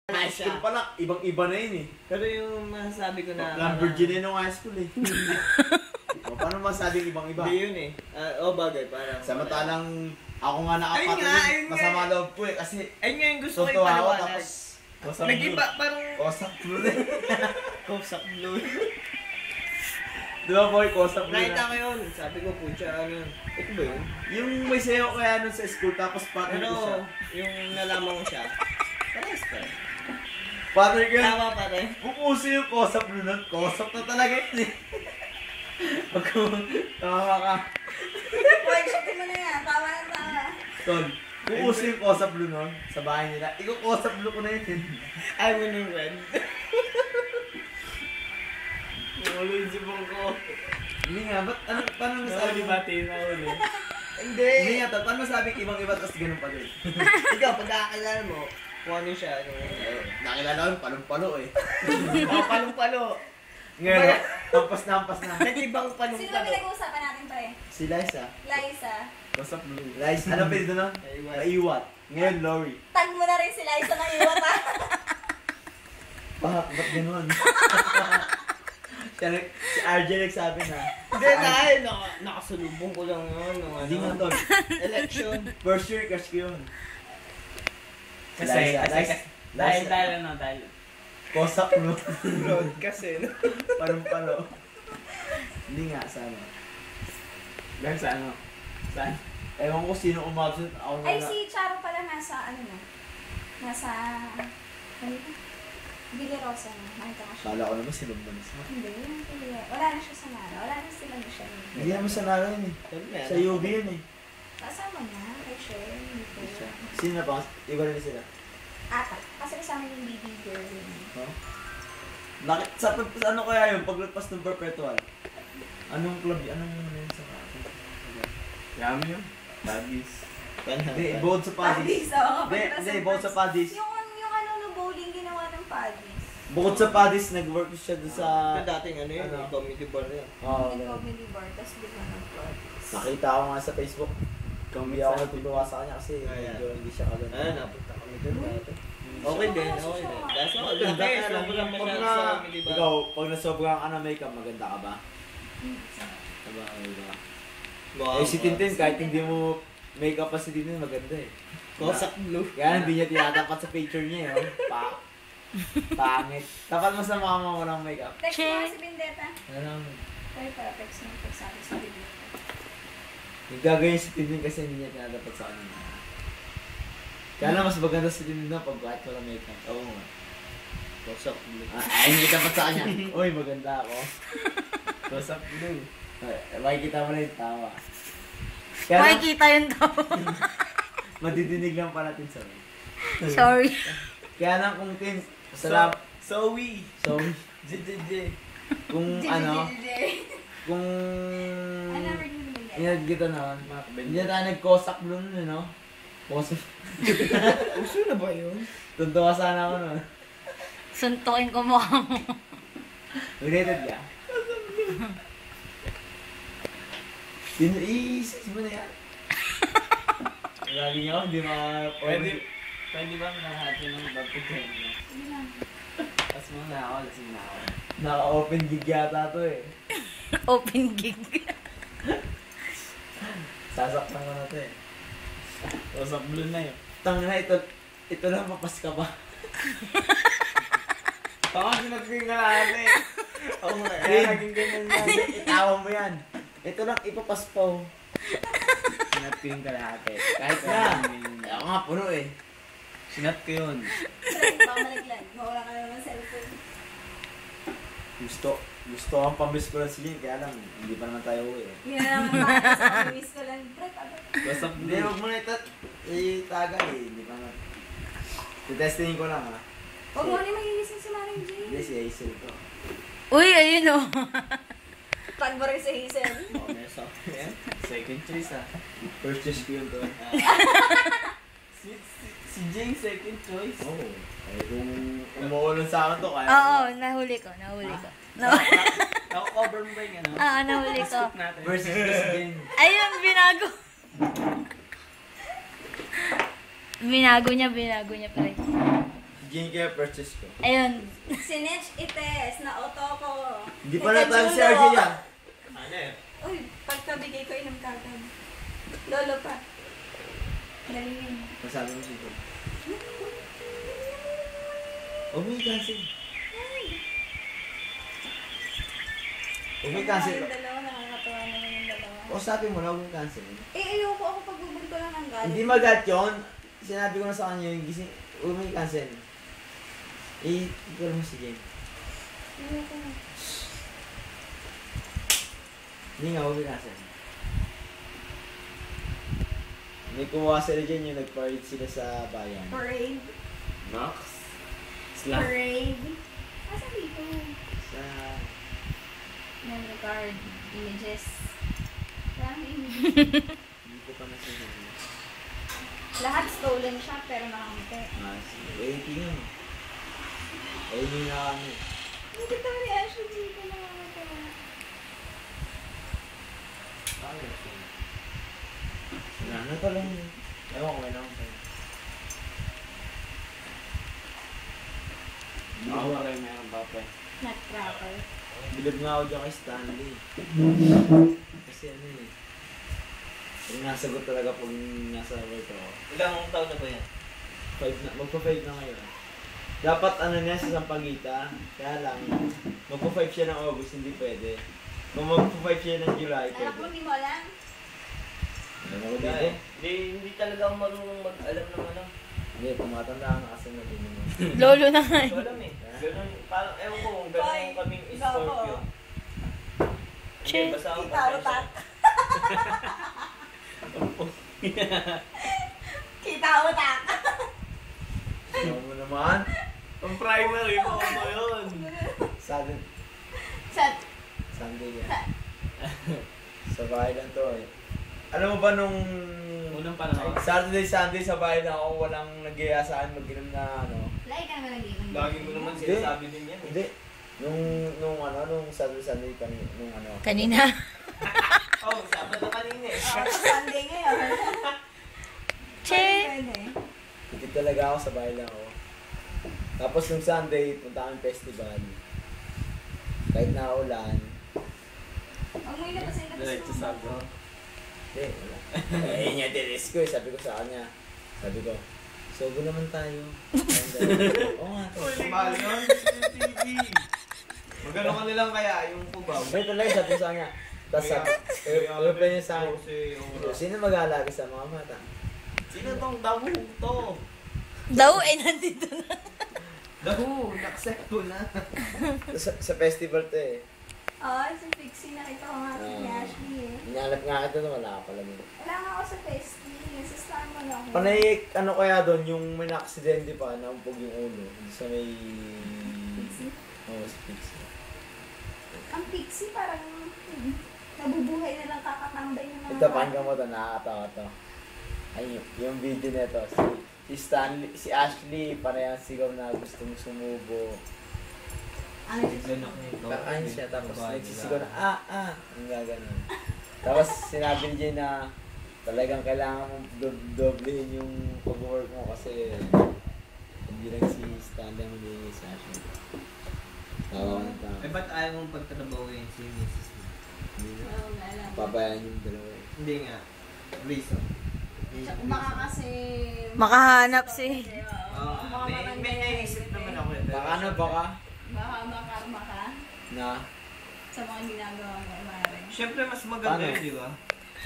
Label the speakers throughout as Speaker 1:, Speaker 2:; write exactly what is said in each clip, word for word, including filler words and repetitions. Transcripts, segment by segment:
Speaker 1: High school pa lang, ibang-iba na yun eh.
Speaker 2: Pero yung masasabi ko na...
Speaker 1: Lamborghini nung high school eh. O, paano masasabing ibang-iba?
Speaker 2: Hindi yun eh. Uh, oh bagay, parang...
Speaker 1: Samantalang ako nga nakapatid, masama loob ko eh. Kasi
Speaker 2: ayun nga yung gusto ko
Speaker 1: totoo ako
Speaker 2: ipaliwanag.
Speaker 1: tapos...
Speaker 2: Nag-iba, parang...
Speaker 1: Kosak blue din.
Speaker 2: Kosak blue.
Speaker 1: Di ba boy, kosak blue
Speaker 2: Nakita
Speaker 1: na?
Speaker 2: ko yun. Sabi ko, pucha, ano. Ito ba yun?
Speaker 1: Yung may sayo kaya nun sa school tapos partner ko siya.
Speaker 2: Ano, yung nalaman ko siya. Parehas pa.
Speaker 1: Partner ko yun.
Speaker 2: Tama pa rin.
Speaker 1: Pupuso yung kosak blue nun. Kosak na talaga yun eh. Pag tama ka.
Speaker 3: Boy, shit mo na yan. Tama na tama.
Speaker 1: Tol, pupuso yung kosak blue nun sa bahay nila. Ikaw kosak blue ko na yun.
Speaker 2: Ay mo nung red. Ulo yung sibong ko.
Speaker 1: Hindi nga, ba't ano, paano nasabi mo?
Speaker 2: na ulo.
Speaker 1: Hindi. Hindi nga, tol, paano nasabi ibang-iba tapos ganun pa din?
Speaker 2: Ikaw, pagkakakilala mo, kung ano siya, ano.
Speaker 1: Eh, nakilala ko, palong-palo eh.
Speaker 2: Oh, palong-palo.
Speaker 1: Ngayon, hampas na hampas na.
Speaker 2: Nag-ibang
Speaker 3: Sino ba
Speaker 2: palong-palo.
Speaker 3: pinag-uusapan natin to eh?
Speaker 1: Si Liza.
Speaker 3: Liza.
Speaker 1: Kosak blue. Liza, ano pwede doon?
Speaker 2: Naiwan.
Speaker 1: Naiwat. Ngayon, Lori.
Speaker 3: Tag mo na rin si Liza ng iwat ha.
Speaker 1: Bakit? Ba't ganun? Siya, nag- si R J nagsabi na.
Speaker 2: Hindi na, ay, naka, nakasalubong ko lang yun. Nung, ano,
Speaker 1: Hindi nga tol.
Speaker 2: election.
Speaker 1: First year, crush ko yun.
Speaker 4: Kasi,
Speaker 1: Liza,
Speaker 4: kasi,
Speaker 1: Liza.
Speaker 4: dahil,
Speaker 1: Liza.
Speaker 4: dahil, ano, dahil.
Speaker 1: Kosak blue.
Speaker 2: Road kasi, no?
Speaker 1: Parang-palo. Hindi nga, sana.
Speaker 4: Dahil sa ano? Saan?
Speaker 1: Ewan ko sino umabsent. Ako na
Speaker 3: Ay,
Speaker 1: lang.
Speaker 3: si Charo pala nasa ano na. Nasa... Ano ito? Bilirosa na. Nakita ko siya.
Speaker 1: Kala ko naman sinubman siya.
Speaker 3: Hindi, hindi. Wala na siya sa Nara. Wala na sila na siya.
Speaker 1: Hindi naman sa nara yun eh. Sa U B yun eh.
Speaker 3: Kasama na. Kay Sher. Hindi ko.
Speaker 1: Sino na ba? Iba rin sila.
Speaker 3: Ata. Kasi kasama yung baby girl.
Speaker 1: Huh? Nakit sa, sa ano kaya yun? Paglagpas ng perpetual? Anong club yun? Anong ano yun sa
Speaker 4: Yami yun. Bagis.
Speaker 1: Hindi, bukod sa Paddies.
Speaker 3: Paddies, oo.
Speaker 1: Hindi, hindi, bukod sa Paddies.
Speaker 3: Yung, yung ano no bowling ginawa ng Paddies.
Speaker 1: Bukod sa Paddies, nag-work siya doon sa...
Speaker 2: Yung dating ano yun,
Speaker 1: Ano?
Speaker 2: comedy bar yun.
Speaker 1: Oo,
Speaker 3: Yung
Speaker 1: ganun.
Speaker 3: comedy bar. Tapos bigla ng Paddies.
Speaker 1: Nakita ko nga sa Facebook. Hindi ako natutuwa sa kanya kasi
Speaker 2: Ayan.
Speaker 1: medyo hindi siya kaganda.
Speaker 2: Ah, napunta kami doon dati. Okay din, okay din. Kaso,
Speaker 1: Maganda
Speaker 2: laki,
Speaker 1: ka lang.
Speaker 2: sobrang
Speaker 1: Pag
Speaker 2: masyado
Speaker 1: na,
Speaker 2: sa comedy bar.
Speaker 1: ikaw, pag nasobrang ka na makeup, maganda ka ba? Diba, diba?
Speaker 2: Wow.
Speaker 1: Eh si Tintin, kahit hindi mo makeup pa si Tintin, maganda eh.
Speaker 2: Kosak blue.
Speaker 1: Kaya hindi niya tinatapat sa picture niya eh. oh. Pa Pangit. Tapat mo sa mama mo ng makeup.
Speaker 3: Text mo nga si Bendetta.
Speaker 1: Ano?
Speaker 3: Pwede para text mo. Text sa akin si Bendetta.
Speaker 1: Yung gagawin si Tintin kasi hindi niya tinatapat sa kanya. Kaya lang mas maganda si Tintin na pag kahit wala makeup. Oo nga.
Speaker 2: Kosak blue.
Speaker 1: Ah, ay, hindi tapat sa kanya. Uy, maganda ako.
Speaker 4: Kosak blue.
Speaker 1: Ay, makikita mo na yung tawa. Kaya lang,
Speaker 5: Makikita yung tao.
Speaker 1: madidinig lang pa natin sa
Speaker 5: Sorry.
Speaker 1: Kaya lang kung Tin, salam,
Speaker 2: So, we.
Speaker 1: so,
Speaker 2: J J J.
Speaker 1: kung ano, kung
Speaker 3: I never knew Bendetta.
Speaker 1: inad kita naman, hindi na tayo nag-kosak blue nun, eh, no? Kosak.
Speaker 2: Uso na ba yun?
Speaker 1: Tuntua sana ako nun.
Speaker 5: Suntukin ko mukha mo.
Speaker 1: Related ka? I-search mo na yan. Lagi nga ako, hindi mga...
Speaker 4: Pwede, pwede ba nahati ng baptizan mo?
Speaker 3: Sige lang.
Speaker 4: Tapos muna ako, lasing na ako.
Speaker 1: Naka-open gig yata to eh.
Speaker 5: Open gig.
Speaker 1: Sasaktan ko na to eh.
Speaker 4: Kosak blue na yun.
Speaker 1: Tangina, ito, ito lang mapas ka ba?
Speaker 4: Baka sinagping ka lahat eh.
Speaker 2: Oo nga.
Speaker 1: Kaya naging ganyan yan. Itawa mo yan. Ito lang, ipapas pa oh.
Speaker 4: Sinagping ka lahat eh.
Speaker 1: Kahit na. Ako nga, puno eh.
Speaker 4: Sinat ko yun.
Speaker 3: Baka malaglag. Mawala ka naman ng cellphone.
Speaker 1: Gusto, gusto ang pamiss ko lang si Jane, kaya lang, hindi pa naman tayo uwi eh.
Speaker 3: Yun na naman baka sa miss ko lang. Pre, pagod.
Speaker 4: Kosak
Speaker 1: Hindi,
Speaker 4: blue.
Speaker 1: huwag mo na itat. Itaga eh, hindi pa naman. Titestingin ko lang ha.
Speaker 3: Huwag mo na magigising si Maring J.
Speaker 1: Hindi, si Hazel to.
Speaker 5: Uy, ayun o.
Speaker 3: Tag mo rin si Hazel.
Speaker 2: Oh, nesa. Yan.
Speaker 4: Second choice ah.
Speaker 1: First choice ko yun to.
Speaker 4: Si, si, si Jane second choice.
Speaker 1: Oo. Oh, eh kung umuulong sa akin to, kaya...
Speaker 5: Oo, nahuli ko, nahuli ko. Na
Speaker 4: Nako-cover mo ba yung ano?
Speaker 5: ah, nahuli ko.
Speaker 4: Skip natin.
Speaker 1: Versus Miss Jane.
Speaker 5: Ayun, binago. Binago niya, binago niya pa rin.
Speaker 1: Jane kaya purchase ko.
Speaker 5: Ayun.
Speaker 3: Sinetch ites na auto ko.
Speaker 1: Hindi pa na tayo si R J yan.
Speaker 2: Ano eh?
Speaker 3: Uy, pagkabigay ko inom kagad. Lolo pa. Galing.
Speaker 1: Masabi mo siya. Huwag mo i-cancel. Huwag mo i-cancel.
Speaker 3: Yung dalawa, nakakatawa naman yung dalawa.
Speaker 1: O sabi mo na huwag mo i-cancel.
Speaker 3: Eh, ayoko ako pagbubuli ko lang ng galit.
Speaker 1: Hindi magat yun. Sinabi ko na sa kanya yung gising. Huwag mo i-cancel. I-call mo si Jane.
Speaker 3: Ayoko na.
Speaker 1: Hindi nga, huwag mo i-cancel. May kumuha sila dyan yung nag-parade sila sa bayan.
Speaker 3: Parade.
Speaker 1: Max? Slap.
Speaker 3: Parade. Asa dito?
Speaker 1: Sa...
Speaker 3: Memory card. Images. Marami images.
Speaker 1: Hindi ko pa nasisabi.
Speaker 3: Lahat stolen siya, pero nakamute.
Speaker 1: Ah, sige. Waiting yun. Ayun yung nakano.
Speaker 3: Hindi ka reaction dito nakamute.
Speaker 1: Wala na pala yun. Ewan ko, kailangan ko. Ako ba kayo mayroon pa pa?
Speaker 3: Nutcracker.
Speaker 1: Bilib nga ako dyan kay Stanley. Kasi ano eh. Yung nasagot talaga pag nasa work ako.
Speaker 2: Ilang taon na ba yan?
Speaker 1: Five na, magpa-five na ngayon. Dapat ano niya sa Sampaguita. Kaya lang, magpa-five siya ng August, hindi pwede. Kung magpa-five siya ng July,
Speaker 3: Anak mo,
Speaker 1: pwede.
Speaker 3: hindi mo alam?
Speaker 1: Ano ko dito?
Speaker 2: Hindi, hindi, hindi talaga ako marunong mag-alam ng ano.
Speaker 1: Hindi, tumatanda ka kasi na din mo.
Speaker 5: Lolo na nga.
Speaker 2: Hindi ko alam eh. Ganun, parang, ewan ko kung ganun
Speaker 3: Boy,
Speaker 2: kaming
Speaker 3: ikaw po.
Speaker 2: Scorpio.
Speaker 5: Che.
Speaker 2: Hindi, basta ako
Speaker 3: Kita utak. Kita utak.
Speaker 1: Ano mo naman?
Speaker 2: Ang primary mo ko yun.
Speaker 1: Sudden,
Speaker 3: Set.
Speaker 1: Sunday yan. Sa bahay lang to eh. Alam mo ba nung
Speaker 2: Unang panahon.
Speaker 1: Saturday, Sunday sa bahay lang ako, walang nag-iaya sa akin mag-inom na ano.
Speaker 3: Lagi ka naman nag-iwan.
Speaker 2: Lagi mo naman
Speaker 1: Hindi.
Speaker 2: sinasabi din yan eh.
Speaker 1: Hindi. Nung, nung ano, nung Saturday, Sunday, kan, nung ano.
Speaker 5: Kanina.
Speaker 2: Oh, Sabado kanina eh.
Speaker 3: Oh, Sunday ngayon.
Speaker 5: Che.
Speaker 3: Pwede.
Speaker 1: Tikit talaga ako sa bahay lang ako. Tapos nung Sunday, punta kami festival. Kahit na ulan.
Speaker 3: Huwag mo ilabas yung labas
Speaker 2: Diretso
Speaker 3: mo.
Speaker 2: sabi.
Speaker 1: Hindi, wala. Eh, yun yung dinis ko eh. Sabi ko sa kanya. Sabi ko, sogo naman tayo. Oo nga. to.
Speaker 2: Mahal yun? C C T V. Magano ka nilang kaya yung kubaw?
Speaker 1: May talaga sabi ko sa kanya. Tapos sabi, reply niya sa akin.
Speaker 2: Kasi,
Speaker 1: Sino mag-aalaga sa mga bata?
Speaker 2: sino tong dahu to?
Speaker 5: Daw eh, nandito na.
Speaker 2: Dahu, na-accept ko na.
Speaker 1: Sa, sa festival to eh.
Speaker 3: Oo, si Pixie nakita ko nga si
Speaker 1: Ah.
Speaker 3: Ashley eh.
Speaker 1: Hinanap nga kita doon, wala ka pala doon.
Speaker 3: Wala nga ako sa Festi. Nasa Star Mall ako.
Speaker 1: Panay, ano kaya doon, yung may na-aksidente pa, naumpog yung ulo. Sa may...
Speaker 3: Pixie?
Speaker 1: Oo, sa Pixie.
Speaker 3: Ang Pixie parang hmm, nabubuhay na lang kakatambay ng mga
Speaker 1: Ito, pakinggan mo ito, nakakatawa to. Ay, yung, yung video nito, si, si Stanley, si Ashley, parehang sigaw na gustong sumubo.
Speaker 3: Ano yun?
Speaker 1: Kakain siya, tapos nagsisigaw na, ah, ah, yung gaganon. Tapos sinabi niya na talagang kailangan mong do- doblehin yung pag-work mo kasi hindi lang si Stanley ang hindi si Ashley. Tawa ng tao.
Speaker 2: Eh, ba't ayaw mong pagtatrabahuin si missus mo?
Speaker 1: Hindi na.
Speaker 3: Oo, wala lang.
Speaker 1: Pabayaan yung dalawa eh.
Speaker 2: Hindi nga. Reason.
Speaker 3: Tsaka baka kasi...
Speaker 5: Makahanap si.
Speaker 2: Oo,
Speaker 3: Baka
Speaker 2: may,
Speaker 3: maganda
Speaker 2: may
Speaker 3: yan
Speaker 2: naisip
Speaker 3: eh.
Speaker 2: naman ako. eh, pero-
Speaker 1: Baka ano, baka
Speaker 3: Baka makarma ka
Speaker 1: na
Speaker 3: sa mga ginagawa mo, Mare.
Speaker 2: Siyempre, mas maganda
Speaker 1: Paano?
Speaker 2: yun, di ba?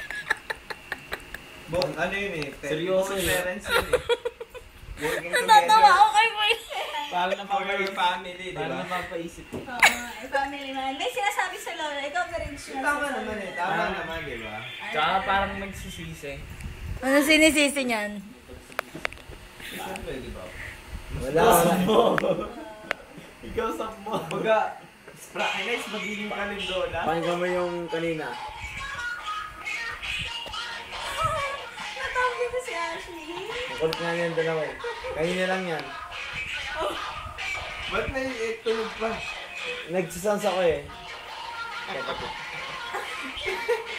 Speaker 2: Bo, ano yun eh? pe-
Speaker 1: Seryoso
Speaker 2: both
Speaker 1: yun.
Speaker 2: parents yun eh. Working
Speaker 5: Natatawa ako
Speaker 2: together.
Speaker 5: kay Boy.
Speaker 1: parang
Speaker 2: For your family, di ba?
Speaker 1: napapaisip eh.
Speaker 3: Oo, eh, family man. May sinasabi sa lola, ikaw pa rin siya.
Speaker 2: Tama naman eh. Tama
Speaker 1: Ah.
Speaker 2: naman, di ba?
Speaker 1: Tsaka parang nagsisisi.
Speaker 5: Ano sinisisi niyan?
Speaker 2: Siyempre, di ba?
Speaker 1: Wala, wala.
Speaker 2: Ikaw sa mo. Baga, Sprakinis, magiging kalindola.
Speaker 1: Pakinggan mo yung kanina.
Speaker 3: Natawag ko si Ashley.
Speaker 1: Ang kulit nga yan dalawa eh. Kanina lang yan.
Speaker 2: Ba't may eh, tunog pa?
Speaker 1: Nagsisans ako eh.